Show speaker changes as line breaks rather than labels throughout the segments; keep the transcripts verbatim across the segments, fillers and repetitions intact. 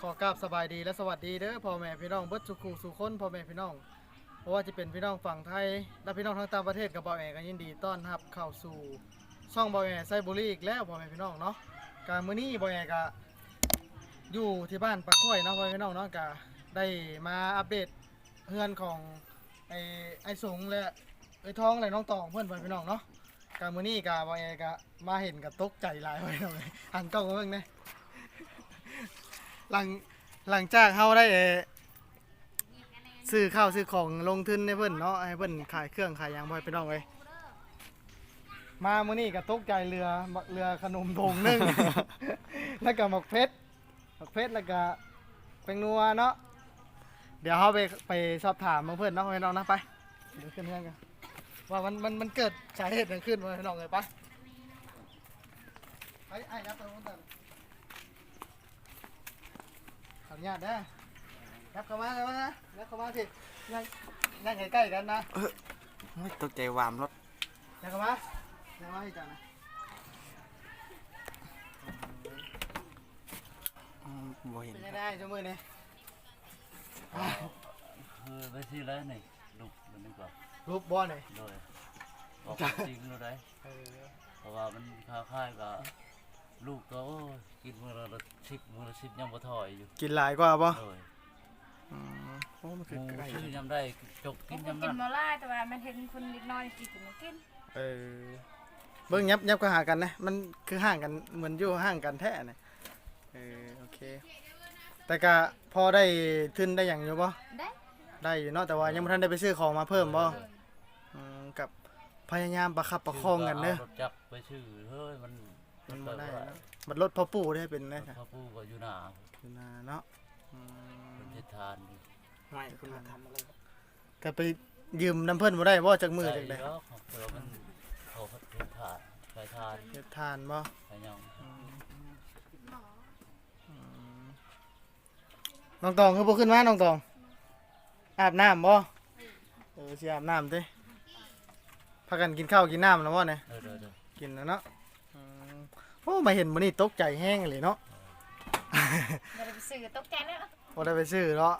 อกราบสบายดีและสวัสดีเด้อพ่อแม่พี่น้องเบิดสุขุสุคนพ่อแม่พี่น้องเพราะว่าจะเป็นพี่น้องฝั่งไทยและพี่น้องทั้งต่างประเทศกับบ่าวแอกันยินดีต้อนรับเข้าสู่ช่องบ่าวแอไซบุรีอีกแล้วพ่อแม่พี่น้องเนาะการมื้อนี้บ่าวแอก็อยู่ที่บ้านปะก้อยเนาะพ่อแม่พี่น้องเนาะก็ได้มาอัปเดตเฮือนของไอ้ไอ้สงและไอ้ท้องและน้องตองเพื่อนพ่อแม่พี่น้องเนาะการมื้อนี้ก็บ่าวแอก็มาเห็นก็ตกใจหลายพ่อแม่พี่น้องเลยหันกล้องมาเบิ่งแหน่หลังหลังจากเขาได้ซื้อข้าวซื้อของลงทุนให้เพิ่นเนาะให้เพิ่นขายเครื่องขายยางบ่อยไปน้องเลยมามื้อนี้ก็ตกใจเรือเรือขนมโด่งนึ่ง แล้วก็หมกเพชรหมกเพชรแล้วก็แป้งนัวเนาะเดี๋ยวเขาไปไปสอบถามเพื่อนเนาะไปน้องนะไปเดี๋ยวขึ้นเพื่อนกันว่ามันมันมันเกิดสาเหตุอะไรขึ้นมาน้องเลยไปไอ้ไอ้นะตรงนู้นแต่ขออนุญาตนะยับเข้ามาเลยนะยับเข้ามาสินั่งนั่งใกล้ๆกันนะ
เออตกใจวามรถ
ยับเข้ามายับเข้ามาให้จังนะ
บ่เห็น
เป็นได้ชั่วโมงนี้
เออไปซื้อแล้วนี่ลูกมันนี่ก่อน
รูปบอลเลย
โดยบอกจริงเลยได้เพราะว่ามันค้าค่ายกับลูกก็กินมือละสิบมือละสิบยังบ่ถอยอยู่
กินหลายกว่าป่ะ
โดย
โอ้มันคือไก่
ซื้อยำได้จกกินยำ
กิ
นั้น
นมาล่าแต่ว่ามันเห็นคนเล็กน้อยกินถึงกิน
เออเบิ้งยับยับก็หากันนะมันคือห่างกันเหมือนอยู่ห่างกันแท้เนี่ยเออโอเคแต่ก็พอได้ทุนได้อย่างอยู่ป่ะ
ได้
ได้อยู่เนาะแต่ว่ายังไม่ทันได้ไปซื้อของมาเพิ่มป่ะกับพยายามประคับประคองกันเนอะ
รถจักรไปซื้อเฮ้ยมัน
มันไม่ได้นะมันรถพ่อปู่ได้เป็นไง
พ่อปู่ก็อยู่หน้า
อยู่หน้าเนาะ
เป็นเทศาน
ไม่คุณทำอะไรก็ไปยืมน้ำเพิ่นมาได้ว่าจากมือจากใด
เนาะเผื่อมันเขาเทศานใช้ทาน
เทศทานบ่
ใช้ยัง
น้องตองคือพวกขึ้นมาน้องตองอาบน้ำบ่เออสิอาบน้ำดิพากันกินข้าวกินน้ำแล้วบ่เนี่ยกินแล้วเนาะโอ้มาเห็นมื้อนี้ตกใจแห้งเลยเนาะ
ไม่ได้ไปซื้อตกใจแล้ว
บ่ได้ไปซื้อเนาะ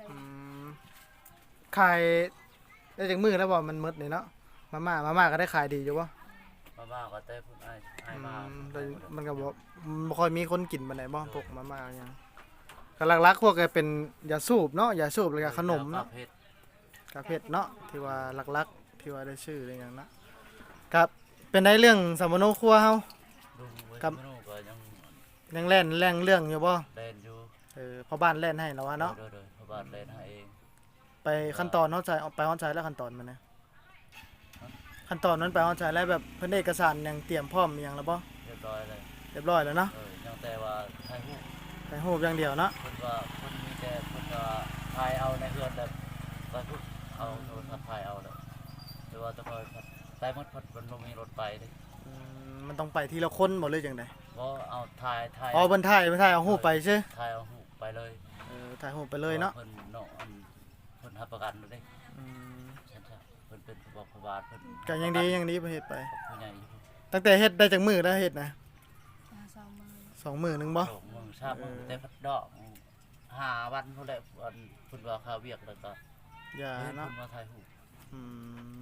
ขายได้จากมือแล้วบ่มันหมดนี่เนาะมาม่ามาม่าก็ได้ขายดีอยู่บ่
มาม่าก็ได้พุ่นไอ้ไอ้มา
มันก็บ่บ่ค่อยมีคนกินปานใดบ่พวกมาม่าหยังก็หลักๆพวกก็เป็นยาสูบเนาะยาสูบแล้วก็ขนมเนาะกาเพชรเนาะที่ว่าหลักๆที่ว่าได้ชื่ออะไรอย่างนั้นครับเป็นได้เรื่องสมโนครัวเฮา
กับ
ยังแล่นแรงเรื่องอยู่บ่
แล่นอยู่
เออพ่อบ้านแล่นให้แล้วว่าเนาะ
โดยๆพ่อบ้านแล่นให้เอง
ไปขั้นตอนเฮาใจไปเฮาใจแล้วขั้นตอนมันนะขั้นตอนนั้นไปเฮาใจแล้วแบบเพิ่นเอกสารยังเตรียมพร้อมอีหยังแล้วบ่
เรียบร้อยเลย
เรียบร้อยแล้วเนาะ
เออยังแต่ว่าถ่ายรูป
ถ่ายรูปอย่างเดียวเนาะ
เพิ่นว่าเพิ่นมีแต่เพิ่นว่าถ่ายเอาในเฮือนแบบก็ทุกเอาโทรศัพท์ถ่ายเอาแล้วหรือว่าต้องคอยไปหมดเพิ่นมันบ่มีรถไปเด้
มันต้องไปทีละคนบ่เลยจังได๋
บ่เอาถ่ายถ่าย
อ๋อเพิ่นถ่ายเพิ่นถ่ายเอารูปไปซื่อ
ถ่ายเอารูปไปเลย
เออถ่ายรูปไปเลยเนาะ
เพิ่นเนาะอันเพิ่นรับประกันเด้อืมใช่ๆเพิ่นเป็นผู้บอกผู้บาทเพิ่น
ก็ยังดียังดีไปเฮ็ดไป
ผู้ใหญ่
ตั้งแต่เฮ็ดได้จักมื้อแล้วเฮ็ดนะ
สองมื้อ
สองมื้อนึงบ่
สองมื้อสามมื้อแต่พัดดอกห้าวันพุ่นแหละอันเพิ่นว่าค่าเวียกแล้วก็
อย่าเนาะ
เพิ่นมาถ่ายรูป
อืม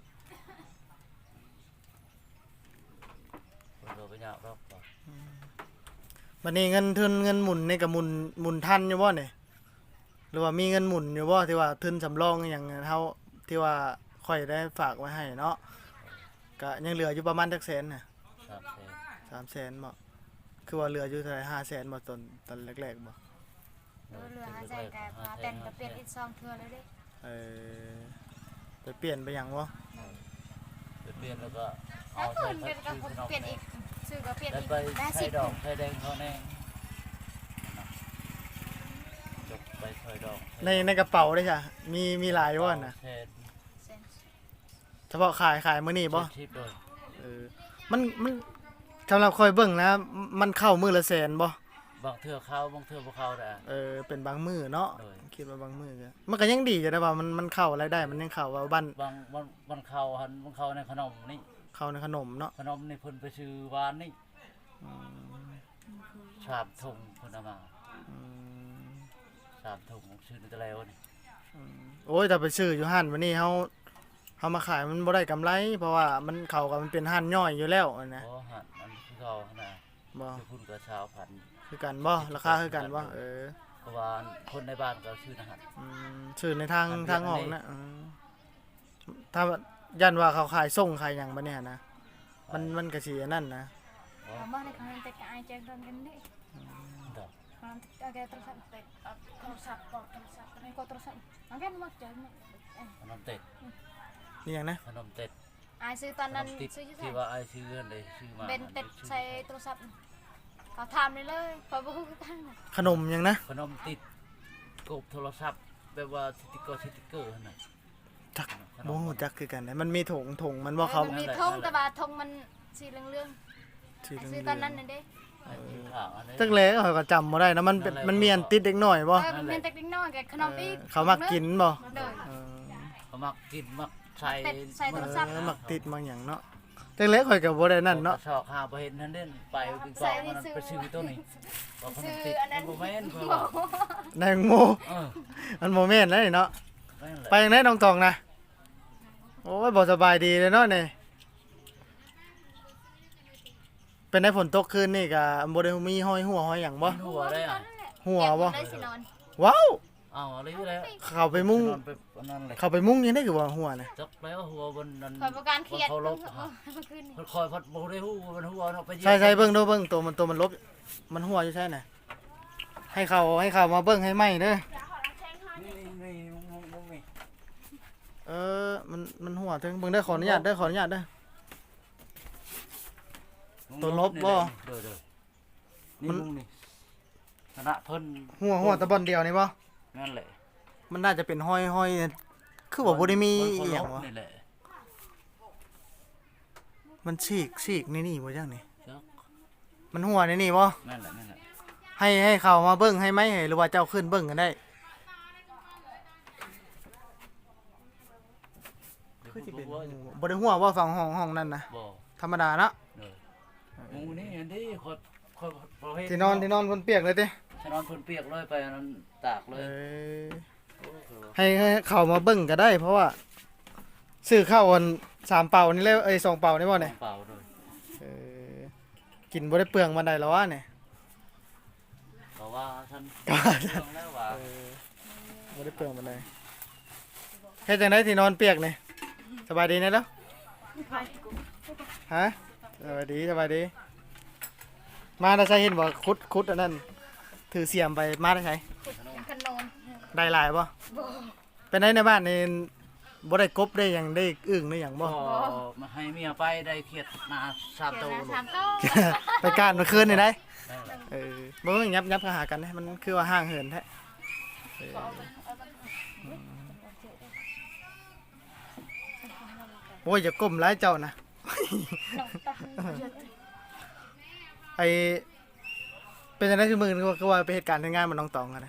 บัดนี้เงินทุนเงินหมุนนี่ก็หมุนหมุนทันอยู่บ่เนี่ยหรือว่ามีเงินหมุนอยู่บ่ที่ว่าทุนสำรองอหยังเฮาที่ว่าค่อยได้ฝากไว้ให้เนาะก็ยังเหลืออยู่ประมาณจักแสนน่ะสามแสนบ่คือว่าเหลืออยู่เท่าไหร่ห้าแสนบ่ตอนตอนแรกๆบ่
เออเหลือห้าแสนก็พาแต่งก็เปลี่ยนอีกสองเทื่อแล้วเด้
เออไปเปลี่ยนไปหยังบ่
ไปเปลี่ยนแล้วก็
เอาใส่เปลี่ยนก็เปลี่ยนอีกซื้อก็เปลี่ยนอีกได้
สิบดอกไข่แดงเขาแน่จบไปซอยดอก
ในในกระเป๋าได้จ้ะมีมีหลายบ่น่ะเฉพาะขายขายมื้อนี้บ่เออมันมันสำหรับคอยเบิ่งนะมันเข้ามื้อละแสนบ่
บางเทื่อเข้าบางเทื่อบ่เข้าได้
เออเป็นบางมื้อเนาะคิดว่าบางมื้อก็มันก็ยังดีอยู่นะว่ามันมันเข้ารายได้มันยังเข้าว่าบ้าน
บางมันมันเข้าหันมันเข้าในขนมนี่
เข้าในขนมเนาะ
ขนมนี่เพิ่นไปซื้อวานนี่ชามทงเพิ่นเอามา
อืม
สามถุงชื่อนี่ก็แล้วนี่
โอ้ยแต่ไปซื้ออยู่ห้านวันนี้เฮาเฮามาขายมันบ่ได้กำไร เพราะว่ามันเข้ากับมันเป็นห้านย่อยอยู่แล้วนะ
โอ้หันมันคือเขานะ
บ่
คือพุ่นกับชาวพันธุ์
คือกันบ่ราคาคือกันบ่เออ
เพราะว่าคนในบ้านก็ชื่อนะฮะ
อืมซื้อในทาง
อันเดียว
ทางออก
อันนี้
นะอืมถ้ายันว่าเขาขายส่งขายหยังบัดเนี่ยนะมันมันก็สิอันนั้นนะ
เอามาในคอนเทนต์ไอเจนตอนกันนี่
ดอก
คอนเทนต์โทรศัพท์เต็ดโทรศัพท์กดโทรศัพท์ไม่กดโทรศัพท์มันกันมาเจอเนี่ย
ขนมเต็ด
นี่หยังนะ
ขนมเต็ด
ไอซื้อตอน
ขน
นั้น
มติด
ซื้อที่ไหน
ที่ว่าไอชื่อเงินเลยชื่อมา
เป็นเต็ดใส่โทรศัพท์เขาทำเลยเลยพอบุกกัน
ขนมหยังนะ
ขนมติดกบโทรศัพท์แบบว่าสติกเกอร์สติกเกอร์นั่นน่ะ
จัก
ขน
บ่
ม
ฮู้จักคือกันนะมันมีถุงถุงมันบ่เขา
มันมีธงแต่บาธงมันสีเหลือง
สี
ๆ
เหลื
ซื้อ
อง
ตอนนั้นน่ะเด้
ไอ้ที่ขาวอันนี้
จักแลเขาก็จำบ่ได้นะมันเป็นมันมีอันติดเด็กน้อยบ่
เออมันเป็นเต็กน้อยกับขนมอีก
เออเขามักกินบ่
เด้อ
เออ
เขามักกินมักใส่
เต็ดใส่โทรศัพท์
เออมักติดมักหยังเนาะจักแลข่อยก็บ่ได้นั่นเนาะ
ชอกหาบ่เห็นนั่นเด่นไปกินกองมันไปซื้อตัวนี้บอกขนมติดมันบ่แม่นเพิ่นว่า
แตงโม
เออ
มันบ่แม่นแล้วนี่เนาะ
แม่นแหละ
ไปยังไงน้องตองนะโอ้ยบ่สบายดีเลยเนาะนี่เป็นได้ฝนตกคืนนี่ก็บ่ได้มีห้อยหัวห้อยหยังบ่
หัวได้อ่ะ
หัวบ่
ได้สินอน
ว้าว
เอาอะไรอยู่แล้ว
เข้าไปมุ้ง
นอนไปนั่นเลย
เข้าไปมุ้งยังได้คือว่าหัวน่ะ
จักแล้วหัวบนนั้น
คอยประการเครียด
เขาลบ
เออมันขึ้น
มันคอยพัดบ่ได้ฮู้ว่ามันหัวเนาะไปเหยียบ
ใช่ใช่เบิ่งดูเบิ่งตัวมันตัวมันลบมันหัวอยู่ใช่น่ะให้เขาให้เขามาเบิ่งให้ไหมเด้อ
นี่นี่มุงมุงนี่
เออมันมันหัวถึงเบิ่งได้อขออนุญาตเด้อขออนุญาตเด้อ ตัวลบบ่
เด้อเด้อนี่มุงนี่คณะเพิ่น
หัวหัวตะบอนเดียวนี่บ่
นั่นแหละ
มันน่าจะเป็นห้อยห้อยคือว่าบ่ได้มี
น
อีหยังวะ
นี่แหละ
มันฉีกฉีกนี่นี่บ่จังนี่
จัก
มันหัวนี่นี่บ่
นั่นแหละนั่นแหละ
ให้ให้เขามาเบิ่งให้ไหมให้หรือว่าเจ้าขึ้นเบิ่งกันได้คือสิเป็น
บ่
บ่ได้หัวว่าฝั่งห้องห้องนั่นนะ
บ่
ธรรมดาเนาะ
เด้อมุงนี่อันนี้คอยคอยประเภท
ที่นอนที่นอนคนเปียกเลยติ
ฉันนอนเพิ่นเปียกเลยไปอันนั้นตากเล
เอย อ
โอ้โห
ให้ให้เขามาเบิ่งก็ได้ เพราะว่าซื้อข้าวอันสามเป่านี่แล้วเอ้ยสองเป่านี่บ่เนี่ย
เปล่าเลย
เออกินบ่ได้เปลืองมันได้แล้ววะเนี่ย
เพราะว่าฉัน
ก็
เรื่องแล้วว่า
เออบ่ได้เปลืองมันได้เฮ็ดจังได๋ที่นอนเปียกนี่สบายดีแน่แล้วฮะสบายดีสบายดี มาได้ใช้เห็นบ่คุดคุดอันนั้นถือเสียมไปมาได้ใช้
ขนม
ได้หลายบ่
บ่
เป็นได้ในบ้านนี่บ่ได้กบได้หยังได้อึ่งได้หยังบ่
ก็มาให้เมียไปได้เครียดนาสาม
เดี๋
ตั
ยว วนะ
ลูก
สามโต๊ะ
ไปการเมื่อคืนนี่ได้
นั่นแหละ
เออบ่ต้องยับยับเข้าหากันนะมันคือว่าห่างเหินแท้เออโอ้ยอย่าก้มหลายเจ้านะ ไอเป็นจังได๋คือมึงคือว่าไปเหตุการณ์ที่งานมันน้องตองกันนะ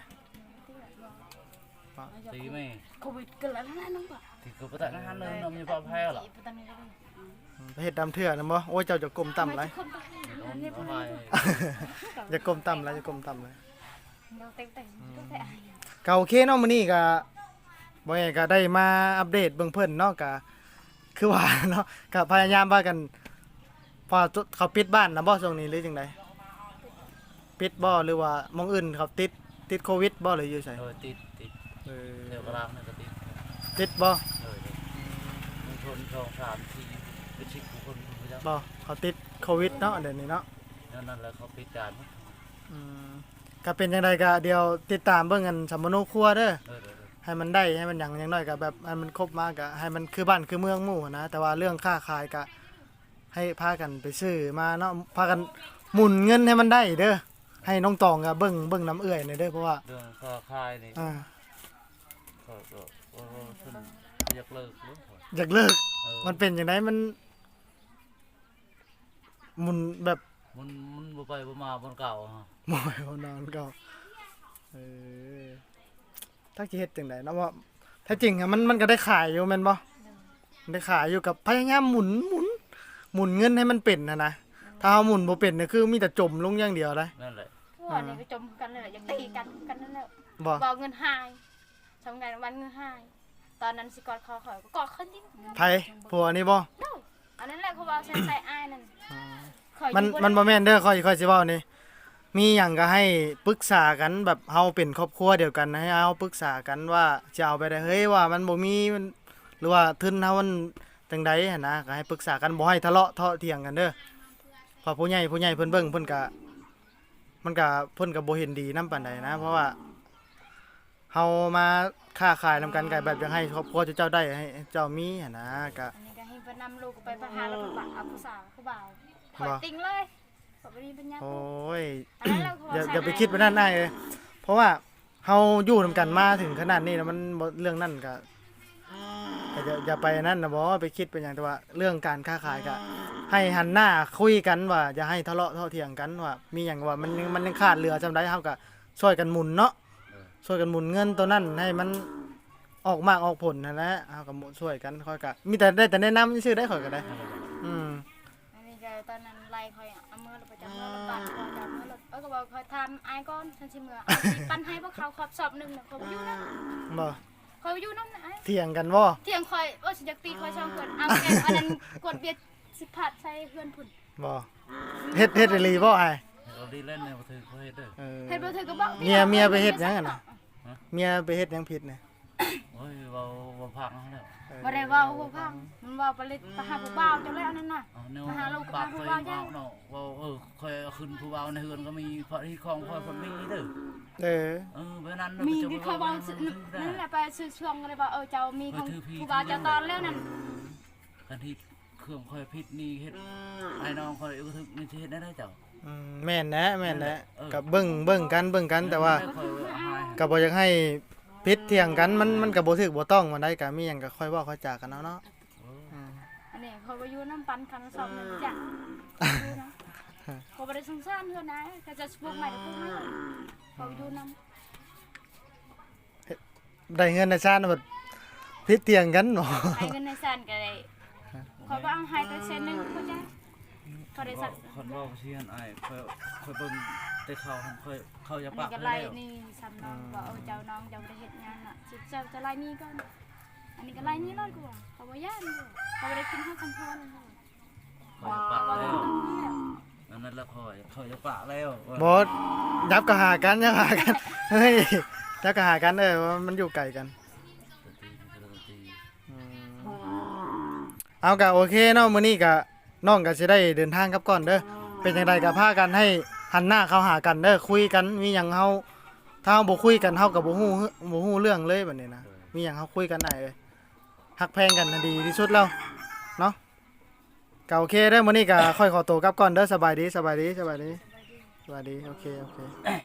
ตีไหม
โควิดเกิดแล้วนะน้องบ่
ตีคือประแต่นั้นเลยน้องมีความแพ้หรอ
ตอนนี้ก็ได้
ไปเฮ็ดดำเถื่อนะบ่โอ้ยเจ้าจะก้มต่ำไร
คนไป
น้องเอาไป
อย่าก้มต่ำไรอย่าก้มต่ำเลย
เราเต็งๆก็แต่อาย
ก็โอเคเนาะมื้อนี้ก็บ่ไงก็ได้มาอัปเดตเบิ่งเพิ่นเนาะก็คือว่าเนาะก็พยายามว่ากันพอเขาปิดบ้านนะบ่ช่วงนี้หรือจังไดปิดบ่หรือว่ามองอื่นเขาติดติดโควิดบ่หรืออยู่ไส
เออติดติด
เออ
เดี๋ยวกลางนี่ก็ติด
ติดบ่
เออมึงชนสองสามสี่เป็นสิบคนคุณผู้ชม
บ่เขาติดโควิดเนาะเดี๋ยวนี้เนาะ
นั่นแหละเขาปิดการ
อืมก็เป็นจังไดก็เดี๋ยวติดตามเบิ่งกันสัมมโนครัวเด้อ
เออเออ
ให้มันได้ให้มันหยังอย่างน้อยก็แบบให้มันครบมากก็ให้มันคือบ้านคือเมืองหมู่นะแต่ว่าเรื่องค่าขายก็ให้พากันไปซื้อมาเนาะพากันหมุนเงินให้มันได้เด้อให้น้องตองก็เบิ่งเบิ่งน้ำเอื้อยหน่อยเด้อเพราะว่า
เรื่องค่าคายนี่
อ่า
ก็ก็โอ้ฉันอยากเลิกรู้
อยากเลิก
เออ
มันเป็นจังไดมันหมุนแบบ
มันมันบ่ไปบ่มาบนเก่าฮะ
หมอยเอานอนก็เออถ้าสิเฮ็ดจังไดเนาะว่าแท้จริงอะมันมันก็ได้ขายอยู่แม่นบ่ได้ขายอยู่กับพยายามหมุนหมุนหมุนเงินให้มันเป็นนะนะถ้าเฮาหมุนบ่เป็นเนี่ยคือมีแต่จมลงอย่างเดียวเลย
นั่นแหละ
อ
อันนี้ก็จมกันเลยแหละอยากตีกันกันนั่นแหละ
บ่
บอกเงินหายทำไงวันเงินหายตอนนั้นสิกอดคอข่อยก็กอดขึ้นดิ
ไผผัวนี่บ่
โน่อันนั้นแหละเขาบอกใส่ใส่อ้ายนั่นข่อย
มัน
อยู่
มันบ่แม่นเด้อค่อยค่อยสิเว้านี่มีหยังก็ให้ปรึกษากันแบบเฮาเป็นครอบครัวเดียวกันให้เฮาปรึกษากันว่าจะเอาไปได้เฮ้ยว่ามันบ่มีมันหรือว่าทุนเฮามันจังใดหั่นนะก็ให้ปรึกษากันบ่ให้ทะเลาะเทาะเถียงกันเด้อเพอผู้ใหญ่ผู้ใหญ่เพิ่นเบิ่งเพิ่นก็มันก็เพิ่นก็บ่เห็นดีนำปานใดนะเพราะว่าเฮามาค้าขายนำกันก็แบบอยากให้ครอบครัวเจ้าได้ให้เจ้ามีหั่นนะก็
อันนี้ก็ให้เพิ่นนำลูกไปพาหาแล้วก็บักเอาผู้สาวผู้บ่าวข่อยติงเลยข่อยบ่มีปัญญา
โอ้ย
อันนั้นเราก็
อย่า
ใส่
อย่าไปคิดไปนั่นได้เลยเพราะว่าเฮาอยู่นำกันมาถึงขนาดนี้แล้วมันบ่เรื่องนั่นก็ก็อย่าอย่าไปนั่นนะบ่ไปคิดเป็นอย่างแต่ว่าเรื่องการค้าขายก็ให้หันหน้าคุยกันว่าอย่าให้ทะเลาะเท่าเถียงกันว่ามีหยังว่ามันยังมันยังขาดเหลือจำได้เฮาก็ช่วยกันหมุนเนาะช่วยกันหมุนเงินตัวนั้นให้มันออกมากออกผลนั่นแหละเฮาก็ช่วยกันค่อยก็มีแต่ได้แต่แนะนำซื่อๆได้ค่อยก็ได้อืม
อันนี้ก็ตอนนั้นไล่ข่อยเอามือเราไปจับมือเราบัดข่อยจับมือเราเอ้ยก็บอกข่อยทำอายก่อนฉันสิมือเอาสิปั้นให้พวกเขาขอบสอบหนึงน่ะข่อยบ่อยู่นำ
บ่
ข่อยบ่อยู่นำนะไอ้
เถียงกันบ่
เที่ยงข่อยโอ้สิอยากตีข่อยช่องเพิ่นเอาแกอันนั้นกดเบียดสิพัดใส่เพื่อนพุ่น
บ่เฮ็ดเฮ็ดอีหลีบ่อ้าย
เราดีเล่นในประเทศเขาเฮ็ดเด้อ
เออ
เฮ็ดบ่ถือก็บอก
เมียเมียไปเฮ็ดหยังอะน่ะ เมียไปเฮ็ดหยังผิดเนี่ย
โอ้ยเว้าบ่พังแล้ว
บ่ได้เว้าบ่พังมันเว้าไปเลยไปหาผู้บ่าวจังเลยอันนั้นน่ะ
เอาแนว
มาหาลูก
ปาก
มา
เคย
ว่า
เว้า
ย่าง
เนาะเว้าเออเคยเอาขึ้นผู้เว้าในเฮือนก็มีเพราะที่ของพ่อเพิ่นมีเด้อ
เออ
เออเพราะนั้น
มี
จะ
ที่
ไป
เขาเว้าซื้อนั่นแหละไปซื้อช่วงเลยว่าเออเจ้ามีของผู้บ่าวเจ้าตอนแล้วนั่น
กันที่เครื่องค่อยผิดนี่เฮ็ดไอ้น้องค่อยก็ถึกนี่สิเฮ็ดได้ได้เจ้า
อืมแม่นนะแม่นนะ
เออ
กับเบิ่งเบิ่งกันเบิ่งกันแต่ว่า
ค่อยเอาให้
ก็บ่อยากให้พิษเถียงกันมันมันก็บ่ถูกบ่ต้องมันได้ก็มีหยังก็ค่อยเว้าค่อยจากันเอาเนาะ
เออ
อืม
อันนี้เขาไปอยู่น้ำปันคันสองนึงจ้ะดูนะเขาบ่ได้สงสารเพิ่นนะก็จะพวกใหม่พวกใหม่เขาอยู่น้ำ
ได้เงินได้ชาติแบบพิษเถียงกันบ่
ให้เงินในสันก็ได้เขาบ่เอาให้แต่เส้นหนึงเขาจ้ะเขาได้สัก
คนเว้าเชียนอ้ายค่อยค่อยเบิ่งแต่เขาหันค่อยเขาอย่า
อัน
ปา
นี้
ก
ก็
เล
ไล่
ย
นี่ซ้ำน้องว่าเออเจ้าน้องเจ้าได้เฮ็ดงานน่ะสิเจ้าจะไล่นี่ก่อนอันนี้ก็ไล่นี่เลยกูว่าเขาบ่ย่านกูเขาบ่ได้กินข้าวกันพร
เขาอย่าปาก
เขา
แล้
บ่
ว
ต้องนี่แหละ
อันนั้นละค่อยเขาอย่าปากแล้ว
บ่ยับก็หากันยับหากันเฮ้ยยับก็หากันเออว่ามันอยู่ไกลกัน อืมเอากะโอเคเนาะมื้อนี้กะน้องก็สิได้เดินทางกลับก่อนเด้อเป็นจังไดก็พากันให้หันหน้าเข้าหากันเด้อคุยกันมีหยังเฮาถ้าเฮาบ่คุยกันเฮาก็บ่ฮู้บ่ฮู้เรื่องเลยบัดนี้นะมีหยังเฮาคุยกันได้เอ้ยฮักแพงกันน่ะดีที่สุดแล้วเนาะก็โอเคเด้อมื้อนี้ก็ค่อยขอตัวกลับก่อนเด้อสบายดีสบายดีสบายดีสบายดีโอเคโอเค